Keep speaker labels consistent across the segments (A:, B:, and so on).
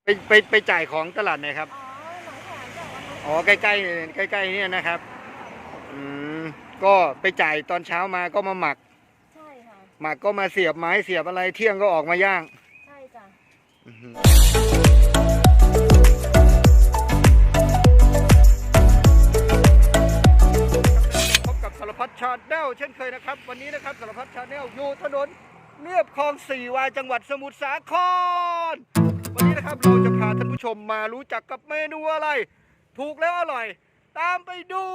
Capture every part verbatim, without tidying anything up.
A: ไปไปไปจ่ายของตลาดไหนครับ
B: อ๋อหนองแขมจ้ะวันนั้น
A: อ๋อใกล้ใกล้ใกล้ๆเนี่ยนะครับอืมก็ไปจ่ายตอนเช้ามาก็มาหมัก
B: ใช่ค่ะ
A: หมักก็มาเสียบไม้เสียบอะไรเที่ยงก็ออกมาย่าง
B: ใช่จ้ะ
A: อื้อหือพบกับสารพัดชาแนลเช่นเคยนะครับวันนี้นะครับสารพัดชาแนลอยู่ถนนเรียบคลองสี่วาจังหวัดสมุทรสาครวันนี้นะครับเราจะพาท่านผู้ชมมารู้จักกับเมนูอะไรถูกแล้วอร่อยตามไปดู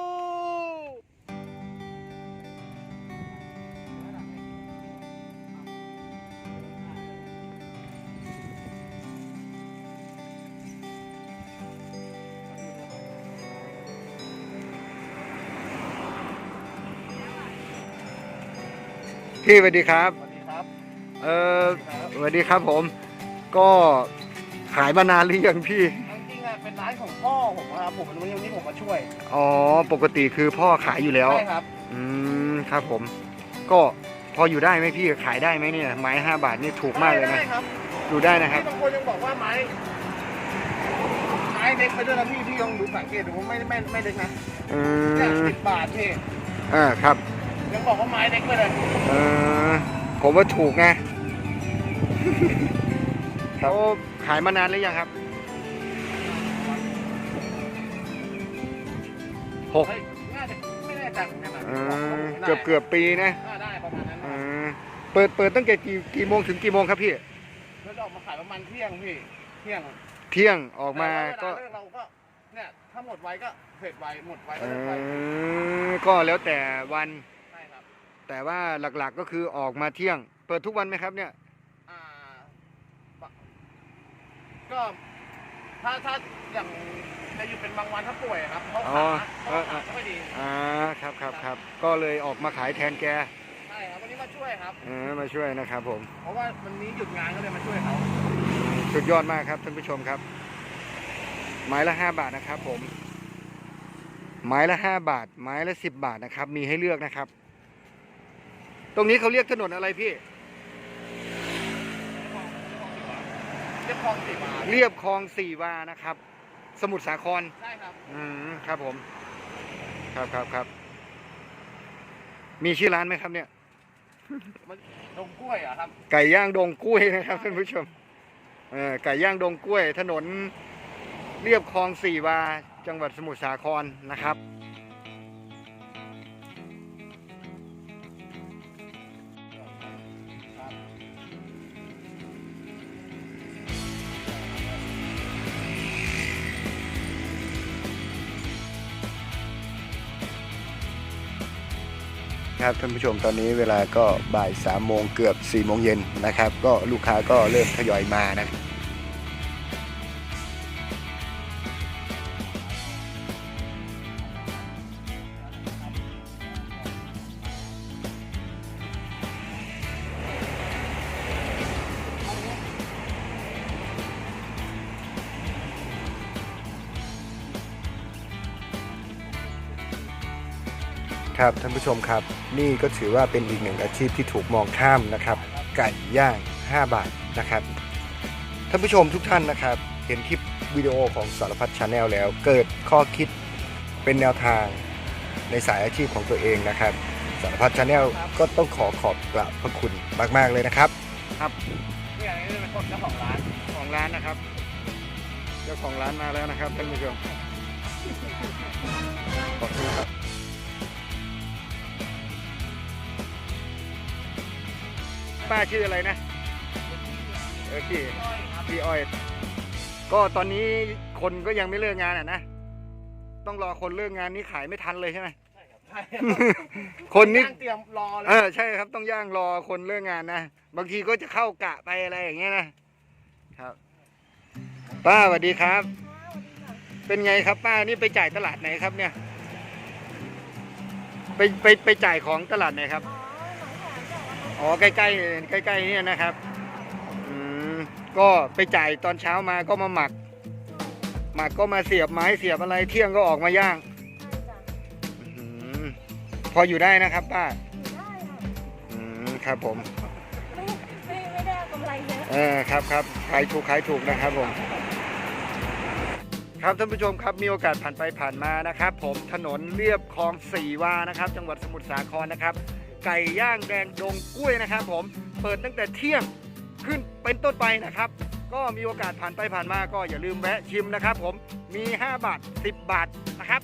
A: พี่สวัสดีครับ
C: สวัสดีครับ
A: เออสวัสดีครับผมก็ขายมานานหรือยังพี่
C: จริงๆอะเป็นร้านของพ่อผมครับผมวันนี้ผมมาช่วย
A: อ๋อปกติคือพ่อขายอยู่แล้ว
C: ใช่ครับ
A: อืมครับผมก็พออยู่ได้ไหมพี่ขายได้ไหมเนี่ยไม้ห้าบาทนี่ถูกมากเลยนะ
C: ได้ครับ
A: อยู่ได้นะครับ
C: พี่บางคนยังบอกว่าไม้ไม้เล็กไปด้วยนะพี่พี่ลองดูสังเกตดูว่าไม่ไม่ไม่เล็กนะ
A: อื
C: เนี่ย
A: ม
C: สิบบาทพี่
A: อ่าครับ
C: ยังบอกว่าไม้เล็กไปเลย
A: เออผมว่าถูกไงเขาขายมานานหรือยังครับหก
C: เฮ้ยน่าจะไม่แน่ใจเหมือนกันนะ
A: เออเกือบเกือบปีนะ
C: อ่าได้ประมาณนั้น
A: เอ
C: นะ
A: อเปิดเปิดตั้งแต่กี่กี่โมงถึงกี่โมงครับพี่
C: แล้วจะออกมาขายประมาณเที่ยงพี่เที่ยง
A: เที่ยงออกมาก็
C: แต่ว่าเวลาเลิเราก็เนี่ยถ้าหมดไวก็เสร็จไวหมดไว
A: เอ
C: ก็เลิกไว
A: อก็แล้วแต่วัน
C: ใช่ครับ
A: แต่ว่าหลักๆก็คือออกมาเที่ยง เปิดทุกวันไหมครับเนี่ย
C: อ่าปะก็ถ้าถ้าอย่างจะอยู่เป็นบางวันถ้าป่วยครับเขา
A: อ๋อ
C: ขาเขา
A: เออ
C: ขาไม่ค่อยดี
A: อ่าครับครับครับก็เลยออกมาขายแทนแก
C: ใช่ครับวันนี้มาช่วยครับ
A: เออมาช่วยนะครับผม
C: เพราะว่าวันนี้หยุดงานก็เลยมาช่วยเขา
A: สุดยอดมากครับท่านผู้ชมครับ ไม้ละห้าบาทนะครับผม ไม้ละห้าบาท ไม้ละสิบบาทนะครับ มีให้เลือกนะครับ ตรงนี้เขาเรียกถนนอะไรพี่
C: เรียบคลองสี่บาท
A: เรียบคลองสี่วานะครับ สมุทรสาคร
C: ใช่ครับ
A: อืมครับผม ครับครับครับ มีชื่อร้านไหมครับเนี่ย
C: มันดงกล้วยเหรอ่ะครับ
A: ไก่ย่างดงกล้วยนะครับท่านผู้ชมเออไก่ย่างดงกล้วย ถนนเรียบคลองสี่วาจังหวัดสมุทรสาครนะครับครับท่านผู้ชมตอนนี้เวลาก็บ่ายสามโมงเกือบสี่โมงเย็นนะครับ ก็ลูกค้าก็เริ่มทยอยมานะ ครับท่านผู้ชมครับนี่ก็ถือว่าเป็นอีกหนึ่งอาชีพที่ถูกมองข้ามนะครับไก่ย่างห้าบาทนะครับท่านผู้ชมทุกท่านนะครับเห็นคลิปวิดีโอของสารพัดชาแนลแล้วเกิดข้อคิดเป็นแนวทางในสายอาชีพของตัวเองนะครับสารพัดชาแนลก็ต้องขอขอบกราบพระคุณมากๆเลยนะครับครับ
C: นี่อันนี้เป็นคนเจ้าของร้าน
A: ของร้านนะครับเจ้าของร้านมาแล้วนะครับท่านผู้ชมขอบคุณครับป้าชื่ออะไรนะเออพี่พี่อ้อยก็ตอนนี้คนก็ยังไม่เลิกงานอ่ะนะต้องรอคนเลิกงานนี้ขายไม่ทันเลยใช่ไหม
C: ใช่
A: คนนี้
C: ย่างเตรียมรอเลย
A: เออใช่ครับต้องย่างรอคนเลิกงานนะบางทีก็จะเข้ากะไปอะไรอย่างเงี้ยนะครับป้าสวัสดีครับ เป็นไงครับป้านี่ไปจ่ายตลาดไหนครับเนี่ยไปไปไปจ่ายของตลาดไหนครับ
B: อ๋อหนองแขมจ้ะวันนั้น
A: อ๋อใกล้ใกล้ใกล้ๆเนี่ยนะครับอืมก็ไปจ่ายตอนเช้ามาก็มาหมัก หมักก็มาเสียบไม้เสียบอะไรเที่ยงก็ออกมาย่าง
B: ใช่จ้ะ
A: อืมพออยู่ได้นะครับป้า
B: อยู่ได้ค่ะ
A: อืมครับผม
B: ไม่ไม่ไม่ได้เอากำไรเยอะ
A: เออครับครับขายถูกขายถูกนะครับผมครับท่านผู้ชมครับมีโอกาสผ่านไปผ่านมานะครับ ผมถนนเรียบคลองสี่วานะครับ จังหวัดสมุทรสาครนะครับ ไก่ย่างแดงดงกล้วยนะครับ ผมเปิดตั้งแต่เที่ยงขึ้นเป็นต้นไปนะครับ ก็มีโอกาสผ่านไปผ่านมาก็อย่าลืมแวะชิมนะครับ ผมมีห้าบาทสิบบาทนะครับ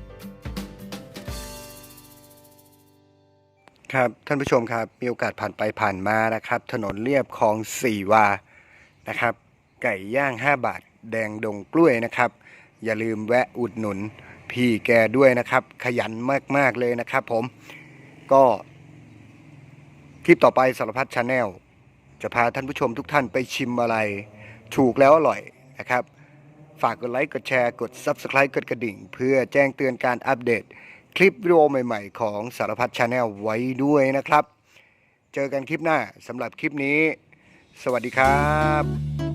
A: ครับท่านผู้ชมครับมีโอกาสผ่านไปผ่านมานะครับ ถนนเรียบคลองสี่วานะครับ ไก่ย่างห้าบาทแดงดงกล้วยนะครับ อย่าลืมแวะอุดหนุนพี่แกด้วยนะครับ ขยันมากๆเลยนะครับ ผมก็คลิปต่อไปสารพัดชาแนลจะพาท่านผู้ชมทุกท่านไปชิมอะไรถูกแล้วอร่อยนะครับ ฝากกดไลค์กดแชร์กด ซับสไครบ์ กดกระดิ่ง เพื่อแจ้งเตือนการอัปเดตคลิปวิดีโอใหม่ๆของสารพัดชาแนลไว้ด้วยนะครับ เจอกันคลิปหน้าสำหรับคลิปนี้สวัสดีครับ